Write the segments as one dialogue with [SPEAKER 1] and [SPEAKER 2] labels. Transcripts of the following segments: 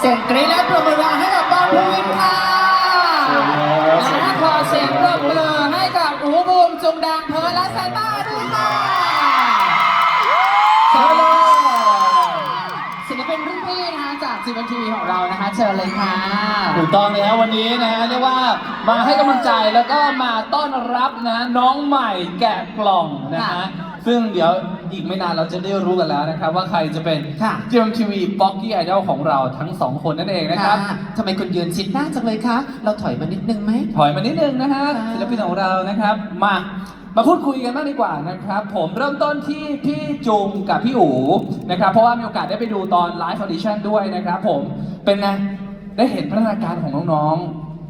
[SPEAKER 1] เสียงกรี๊ดและปรบมือให้กับบอลภูวินค่ะและขอเสียงปรบมือให้กับอูบูมจุงดังเพิร์ลและแซนต้าด้วยค่ะเชิญเลยศิลปินรุ่นพี่นะคะจากจีวันทีวีของเรานะคะเชิญเลยค่ะ
[SPEAKER 2] ถูกต้องเลยครับวันนี้นะฮะเรียกว่ามาให้กำลังใจแล้วก็มาต้อนรับนะน้องใหม่แกะกล่องนะฮะซึ่งเดี๋ยวอีกไม่นานเราจะได้รู้กันแล้วนะครับว่าใครจะเป็น GMTV Pocky Idol ของเราทั้งสองคนนั่นเองนะครับ
[SPEAKER 1] ทำไมคุณยืนชิดหน้าจังเลยคะเราถอยมานิดนึงไหม
[SPEAKER 2] ถอยมานิดนึงนะฮะศิลปินของเรานะครับมาพูดคุยกันบ้างดีกว่านะครับผมเริ่มต้นที่พี่จุงกับพี่อู๋นะครับเพราะว่ามีโอกาสได้ไปดูตอนไลฟ์ออดิชั่นด้วยนะครับผมเป็นไงได้เห็นพัฒนาการของน้อง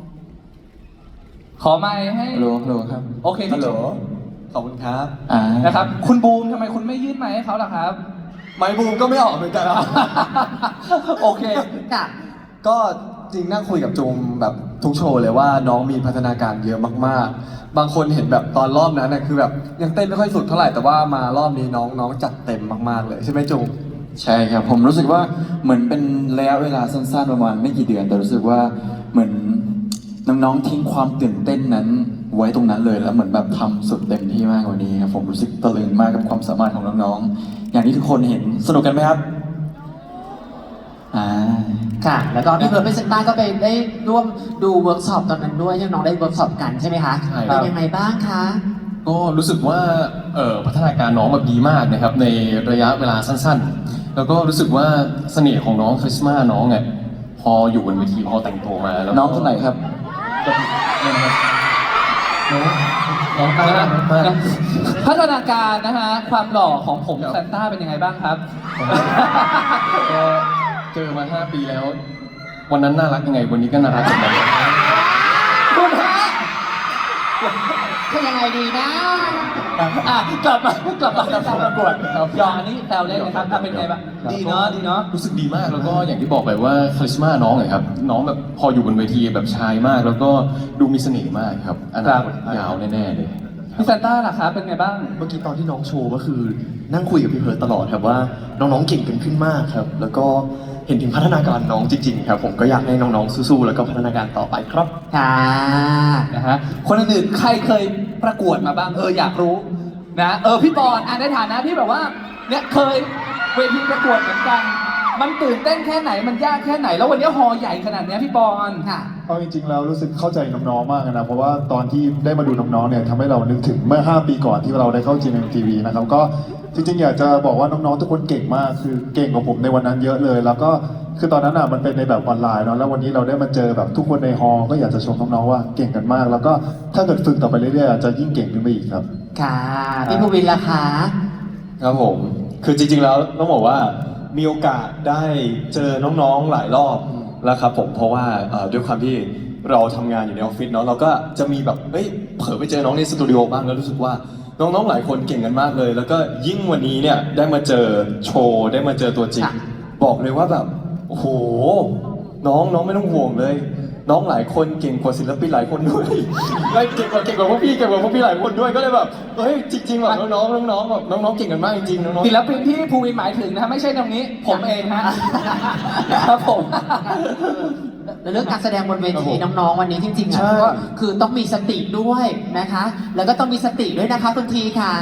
[SPEAKER 2] ๆขอไมค์ให้
[SPEAKER 3] ฮัลโหลครับ
[SPEAKER 2] โอเคพี่จุง
[SPEAKER 3] ขอบคุณครับ
[SPEAKER 2] นะครับคุณบูมทำไมคุณไม่ยื่นไมค์ให้เขาล่ะครับ
[SPEAKER 3] ไมค์บูมก็ไม่ออกเหมือนกัน
[SPEAKER 2] โอเค
[SPEAKER 1] ค่ะ
[SPEAKER 3] ก็จริงนั่งคุยกับจุงแบบทุกโชว์เลยว่าน้องมีพัฒนาการเยอะมากๆบางคนเห็นแบบตอนรอบนั้นนะคือแบบยังเต้นไม่ค่อยสุดเท่าไหร่แต่ว่ามารอบนี้น้องจัดเต็มมากๆเลยใช่ไหมจุง
[SPEAKER 4] ใช่ครับผมรู้สึกว่าเหมือนเป็นระยะเวลาสั้นๆประมาณไม่กี่เดือนแต่รู้สึกว่าเหมือนน้องๆทิ้งความตื่นเต้นนั้นไว้ตรงนั้นเลยแล้วเหมือนแบบทำสุดเต็มที่มากกว่านี้ครับผมรู้สึกตะลึงมากกับความสามารถของน้องๆอย่างที่ทุกคนเห็นสนุกกันไหมครับ
[SPEAKER 1] ค่ะแล้วก็พี่เพิร์ลเป็นเซนต้าก็ไปได้ร่วมดูเวิร์กช็อปตอนนั้นด้วยที่น้องได้เวิร์กช็อปกันใช่ไหมคะเป็นยังไงบ้างคะ
[SPEAKER 5] ก็รู้สึกว่าพัฒนาการน้องแบบดีมากนะครับในระยะเวลาสั้นๆแล้วก็รู้สึกว่าเสน่ห์ของน้องคาริสมาน้องเนี่ยพออยู่บนเวทีพอแต่งตัวมาแล้ว
[SPEAKER 4] น้องคนไหนครับ
[SPEAKER 5] น้อง
[SPEAKER 2] พัฒนาการนะฮะความหล่อของผมแซนต้าเป็นยังไงบ้างครับ
[SPEAKER 5] ก็เจอมา5 ปีแล้ววันนั้นน่ารักยังไงวันนี้ก็น่ารักเหมือนกัน
[SPEAKER 2] คุณฮะ
[SPEAKER 1] คือยังไงดีนะ
[SPEAKER 2] กลับมาการประกวดยออันนี้แซวเล่นนะครับเป็นไงบ้างดีเนาะ
[SPEAKER 5] รู้สึกดีมากแล้วก็อย่างที่บอกไปว่าคาริสมาน้องเลยครับน้องแบบพออยู่บนเวทีแบบชายมากแล้วก็ดูมีเสน่ห์มากครับอนาคตยาวแน่ๆเลย
[SPEAKER 2] พี่แซนต้าล่ะครับเป็นไงบ้าง
[SPEAKER 6] เมื่อกี้ตอนที่น้องโชว์ก็คือนั่งคุยกับพี่เพิร์ตตลอดครับว่าน้องๆเก่งกันขึ้นมากครับแล้วก็เห็นถึงพัฒนาการน้องจริงๆครับผมก็อยากให้น้องๆสู้ๆแล้วก็พัฒนาการต่อไปครับ
[SPEAKER 1] ค่ะ
[SPEAKER 2] นะฮะคนอื่นๆใครเคยประกวดมาบ้างอยากรู้นะพี่ปอนในฐานะที่แบบว่าเนี่ยเคยเวทีประกวดเหมือนกันมันตื่นเต้นแค่ไหนมันยากแค่ไหนแล้ววันนี้ฮอใหญ่ขนาดนี้พี่ปอน
[SPEAKER 1] ค่ะ
[SPEAKER 7] เอาจริงๆแล้วรู้สึกเข้าใจน้องๆมากนะเพราะว่าตอนที่ได้มาดูน้องๆเนี่ยทำให้เรานึกถึงเมื่อ5 ปีก่อนที่เราได้เข้า GMMTV นะครับก็จริงๆอยากจะบอกว่าน้องๆทุกคนเก่งมากคือเก่งกว่าผมในวันนั้นเยอะเลยแล้วก็คือตอนนั้นมันเป็นในแบบออนไลน์เนาะแล้ววันนี้เราได้มาเจอแบบทุกคนในฮอลก็อยากจะชมน้องๆว่าเก่งกันมากแล้วก็ถ้าเกิดฝึกต่อไปเรื่อยๆอาจจะยิ่งเก่งขึ้นไปอีกครับ
[SPEAKER 1] ค่ะพี่ภูวินล่ะคะ
[SPEAKER 3] ครับผมคือจริงๆแล้วต้องบอกว่ามีโอกาสได้เจอน้องๆหลายรอบแล้วครับผมเพราะว่าด้วยความที่เราทำงานอยู่ในออฟฟิศเนาะเราก็จะมีแบบเผลอไปเจอน้องในสตูดิโอบ้างแล้วรู้สึกว่าน้องๆหลายคนเก่งกันมากเลยแล้วก็ยิ่งวันนี้เนี่ยได้มาเจอโชว์ได้มาเจอตัวจริงบอกเลยว่าแบบโอ้โหน้องไม่ต้องห่วงเลยน้องหลายคนเก่งกว่าศิลปินหลายคนด้วยเก่งกว่าพวกพี่หลายคนด้วยก็เลยแบบจริงๆแบบน้องแบบน้องเก่งกันมากจริงๆน้อง
[SPEAKER 2] ศิลปินที่ภูวินหมายถึงนะไม่ใช่ตรงนี้ผมเองฮะครับผม
[SPEAKER 1] เรื่องการแสดงบนเวทีน้องๆวันนี้จริงๆก็คือต้องมีสติด้วยนะคะแล้วก็ต้องมีสติด้วยนะคะคุณทีค่ะ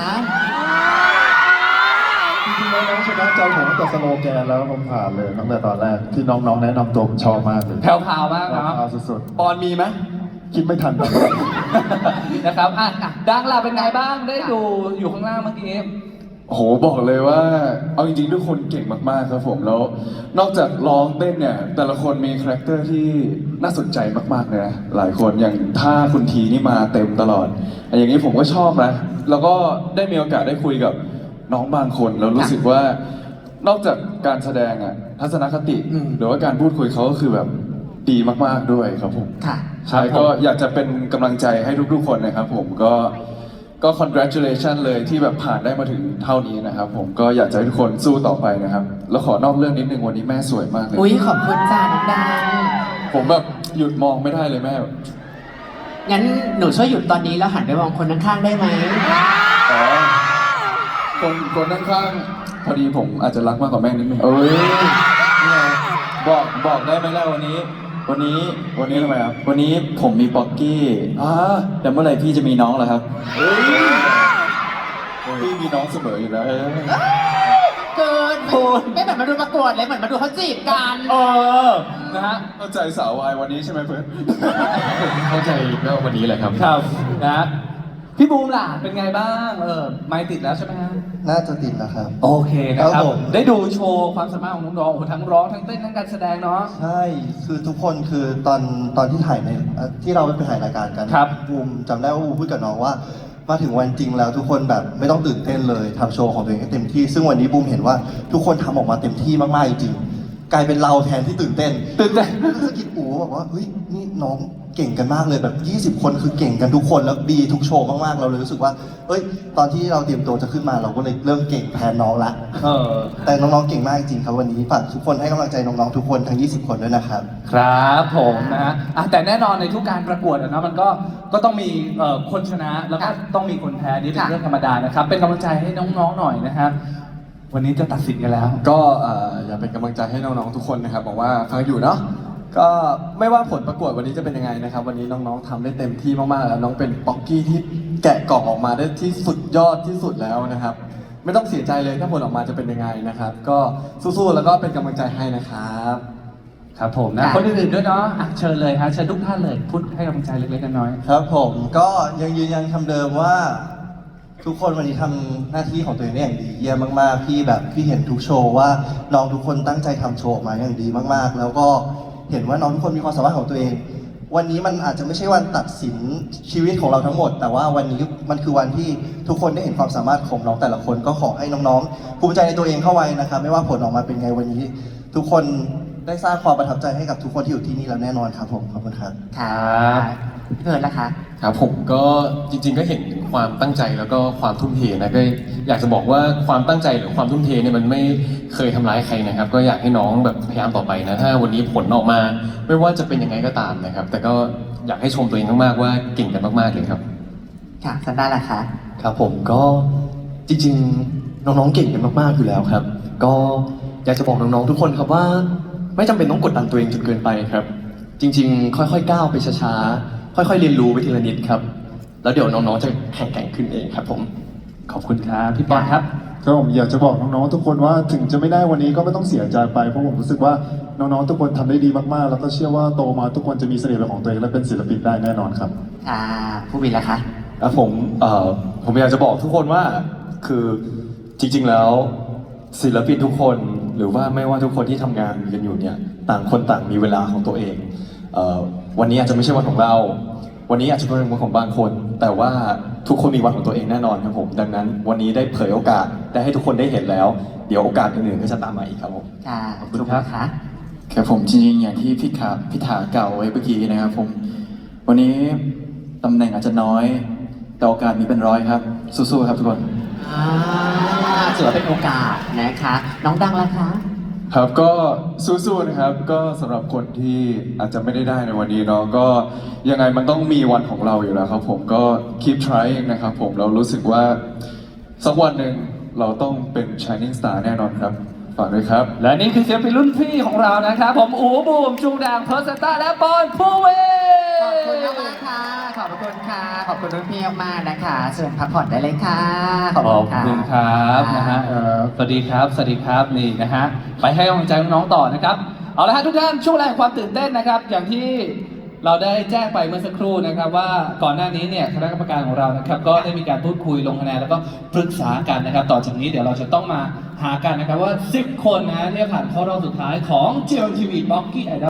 [SPEAKER 7] จริงๆแล้วน้องชนะใจผมตั้งแต่สโลแกนแล้วผมผ่านเลยตั้งแต่ตอนแรกที่น้องๆแนะนำตัวผมชอบมากเลย
[SPEAKER 2] แผ่วๆมากนะ
[SPEAKER 7] สุด
[SPEAKER 2] ๆปอนมีไหม
[SPEAKER 7] คิดไม่ทัน
[SPEAKER 2] นะครับดังล่ะเป็นไงบ้างได้ดูอยู่ข้างล่างเมื่อกี้
[SPEAKER 4] โอ้โหบอกเลยว่าเอาจริงๆทุกคนเก่งมากๆครับผมแล้วนอกจากร้องเต้นเนี่ยแต่ละคนมีคาแรคเตอร์ที่น่าสนใจมากๆเลยนะหลายคนอย่างถ้าคุณทีนี่มาเต็มตลอดอย่างนี้ผมก็ชอบนะแล้วก็ได้มีโอกาสได้คุยกับน้องบางคนแล้วรู้สึกว่านอกจากการแสดงทัศนคติหรือว่าการพูดคุยเขาก็คือแบบดีมากๆด้วยครับผมใช่ก็อยากจะเป็นกำลังใจให้ทุกๆคนนะครับผมก็ congratulation เลยที่แบบผ่านได้มาถึงเท่านี้นะครับผมก็อยากจะให้ทุกคนสู้ต่อไปนะครับแล้วขอนอกเรื่องนิดนึงวันนี้แม่สวยมากเลย
[SPEAKER 1] ขอบคุณจ้าน้องดัง
[SPEAKER 4] ผมแบบหยุดมองไม่ได้เลยแม่
[SPEAKER 1] งั้นหนูช่วยหยุดตอนนี้แล้วหันไปมองคนข้างๆได้ไหม
[SPEAKER 4] คนข้างๆพอดีผมอาจจะรักมากกว่าแม่นิดนึงบอกได้ไหมล่ะวันนี้ทำไมครับวันนี้ผมมีป๊อกกี้แต่เมื่อไหร่พี่จะมีน้องล่ะครับพี่มีน้องเสมออยู่แล้ว
[SPEAKER 1] เกินไม่เหมือนมาดูประกวดเลยเหมือนมาดูเขาจีบกัน
[SPEAKER 2] นะฮะ
[SPEAKER 4] เข้าใจสาววายวันนี้ใช่ไหมเพื่อน
[SPEAKER 5] เข้าใจก็วันนี้แหละครับ
[SPEAKER 2] ครับนะพี่บูมล่ะเป็นไงบ้างไมค์ติดแล้วใช่ไหมฮะ
[SPEAKER 6] น่าจะติดแล้วครับ
[SPEAKER 2] โอเคนะค
[SPEAKER 6] ครั
[SPEAKER 2] รับบ
[SPEAKER 6] ผม
[SPEAKER 2] ได้ดูโชว์ความสามารถของน้องๆโอ้โหทั้งร้องทั้งเต้นทั้งการแสดงเนาะ
[SPEAKER 6] ใช่ คือทุกคนคือตอนที่ถ่ายในที่เราไปถ่ายรายการกัน
[SPEAKER 2] ครับ
[SPEAKER 6] บูมจำได้ว่าบูมพูดกับน้องว่า มาถึงวันจริงแล้วทุกคนแบบไม่ต้องตื่นเต้นเลยทำโชว์ของตัวเองให้เต็มที่ ซึ่งวันนี้บูมเห็นว่าทุกคนทำออกมาเต็มที่มากๆจริงๆกลายเป็นเราแทนที่ตื่นเต้น
[SPEAKER 2] ตื่นเต้น
[SPEAKER 6] สะกิดอูบอกว่าเฮ้ยนี่น้องเก่งกันมากเลยแบบ 20 คนคือเก่งกันทุกคนแล้วดีทุกโชว์มากๆเราเลยรู้สึกว่าเอ้ยตอนที่เราเตรียมตัวจะขึ้นมาเราก็เลยเริ่มเก่งแทนน้องละ แต่น้องๆเก่งมากจริงๆครับวันนี้ฝากทุกคนให้กำลังใจน้องๆทุกคนทั้ง 20 คนด้วยนะครับ
[SPEAKER 2] ครับผมนะฮะแต่แน่นอนในทุกการประกวดอะนะมันก็ต้องมีคนชนะแล้วก็ต้องมีคนแพ้นี่เป็นเรื่องธรรมดานะครับเป็นกำลังใจให้น้องๆหน่อยนะครับวันนี้จะตัดสินกันแล้ว
[SPEAKER 3] ก็อย่าเป็นกำลังใจให้น้องๆทุกคนนะครับบอกว่าฟังอยู่เนาะก็ไม่ว่าผลประกวดวันนี้จะเป็นยังไงนะครับวันนี้น้องๆทำได้เต็มที่มากๆแล้วน้องเป็นป๊อกกี้ที่แกะกล่องออกมาได้ที่สุดยอดที่สุดแล้วนะครับไม่ต้องเสียใจเลยถ้าผลออกมาจะเป็นยังไงนะครับก็สู้ๆแล้วก็เป็นกำลังใจให้นะครับ
[SPEAKER 2] ครับผมนะคนอื่นๆด้วยเนาะเชิญเลยฮะเชิญทุกท่านเลยพูดให้กำลังใจเล็กๆน้อยๆ
[SPEAKER 6] ครับผมก็ยังยืนยันคำเดิมว่า ทุกคนวันนี้ทำหน้าที่ของตัวเองได้อย่างดีเยี่ยมมากๆพี่เห็นทุกโชว์ว่าน้องทุกคนตั้งใจทำโชว์ออกมาอย่างดีมากๆ แล้วก็เห็นว่าน้องทุกคนมีความสามารถของตัวเอง วันนี้มันอาจจะไม่ใช่วันตัดสินชีวิตของเราทั้งหมด แต่ว่าวันนี้มันคือวันที่ทุกคนได้เห็นความสามารถของน้องแต่ละคนก็ขอให้น้องๆภูมิใจในตัวเองเข้าไว้นะครับไม่ว่าผลออกมาเป็นไงวันนี้ ทุกคนได้สร้างความประทับใจให้กับทุกคนที่อยู่ที่นี่แล้วแน่นอนครับผมขอบคุณครับ
[SPEAKER 1] ครับพี่เพิร์ดล่ะคะ
[SPEAKER 5] ครับผมก็จริงๆก็เห็นถึงความตั้งใจแล้วก็ความทุ่มเทนะก็อยากจะบอกว่าความตั้งใจหรือความทุ่มเทเนี่ยมันไม่เคยทำร้ายใครนะครับ ก็อยากให้น้องแบบพยายามต่อไปนะถ้าวันนี้ผลออกมา ไม่ว่าจะเป็นยังไงก็ตามนะครับ แต่ก็อยากให้ชมตัวเองมากๆว่าเก่งกันมากๆเลยครับ
[SPEAKER 1] ค่ะซันด้าล่ะคะ
[SPEAKER 6] ครับผมก็จริงๆน้องๆเก่งกันมากๆอยู่แล้วครับ ก็อยากจะบอกน้องๆทุกคนครับว่า ไม่จำเป็นต้องกดดันตัวเองจนเกินไปครับ จริงๆ ค่อยๆก้าวไปช้าๆค่อยๆเรียนรู้ไปทีละนิดครับ แล้วเดี๋ยวน้องๆจะแข็งแกร่งขึ้นเองครับผม
[SPEAKER 2] ขอบคุณครับพี่ปอนครับ
[SPEAKER 7] ก็ผมอยากจะบอกน้องๆทุกคนว่าถึงจะไม่ได้วันนี้ก็ไม่ต้องเสียใจไปเพราะผมรู้สึกว่าน้องๆทุกคนทำได้ดีมากๆ แล้วก็เชื่อว่าโตมาทุกคนจะมีเสน่ห์เป็นของตัวเองและเป็นศิลปินได้แน่นอนครับ
[SPEAKER 1] ค่ะผู้วินล่ะคะ
[SPEAKER 3] แล้วผมอยากจะบอกทุกคนว่าคือจริงๆแล้วศิลปินทุกคนหรือว่าไม่ว่าทุกคนที่ทำงานกันอยู่เนี่ยต่างคนต่างมีเวลาของตัวเองวันนี้อาจจะไม่ใช่วันของเรา วันนี้อาจจะเป็นวันของบางคน แต่ว่าทุกคนมีวันของตัวเองแน่นอนครับผมดังนั้นวันนี้ได้เผยโอกาสได้ให้ทุกคนได้เห็นแล้ว เดี๋ยวโอกาสอื่นๆก็จะตามมาอีกครับผม
[SPEAKER 1] ค่ะ
[SPEAKER 2] ขอบคุณครับ
[SPEAKER 1] ค่ะ
[SPEAKER 4] ครับผมจริงๆอย่างที่พี่ถาเก่าไว้เมื่อกี้นะครับผมวันนี้ตำแหน่งอาจจะน้อย แต่โอกาสมีเป็นร้อยครับสู้ๆครับทุกคน
[SPEAKER 1] ถือว่าเป็นโอกาสนะคะ น้องดังล่ะคะ
[SPEAKER 4] ครับก็สู้ๆนะครับก็สำหรับคนที่อาจจะไม่ได้ในวันนี้เนาะก็ยังไงมันต้องมีวันของเราอยู่แล้วครับผมก็ keep trying นะครับผมเรารู้สึกว่าสักวันหนึ่งเราต้องเป็น shining star แน่นอนครับฝากด้วยครับ
[SPEAKER 2] และนี่คือศิลปินรุ่นพี่ของเรานะครับผมอูบูมจุงด่างเพอร์เซนต้าและปอนผู้เว
[SPEAKER 1] ขอบคุณมากๆค่ะ ขอบคุณค่ะ ขอบคุณรุ่นพี่มากๆนะคะเชิญพักผ่อนได้เลยค่ะ ขอบ
[SPEAKER 2] ข
[SPEAKER 1] คุ
[SPEAKER 2] อ
[SPEAKER 1] ณ
[SPEAKER 2] บ
[SPEAKER 1] ค่ะ
[SPEAKER 2] คุณครับนะฮะสวัสดีครับสวัสดีครับนี่นะฮะไปให้กำลังใจน้องๆต่อนะครับเอาละฮะทุกท่านช่วงแรกของความตื่นเต้นนะครับ อย่างที่เราได้แจ้งไปเมื่อสักครู่นะครับว่าก่อนหน้านี้เนี่ยคณะกรรมการของเรานะครับก็ได้มีการพูดคุยลงคะแนนแล้วก็ปรึกษากันนะครับ ต่อจากนี้เดี๋ยวเราจะต้องมาหากันนะครับว่า 10 คนนะที่จะผ่านเข้ารอบสุดท้ายของ GMMTV Pocky Idol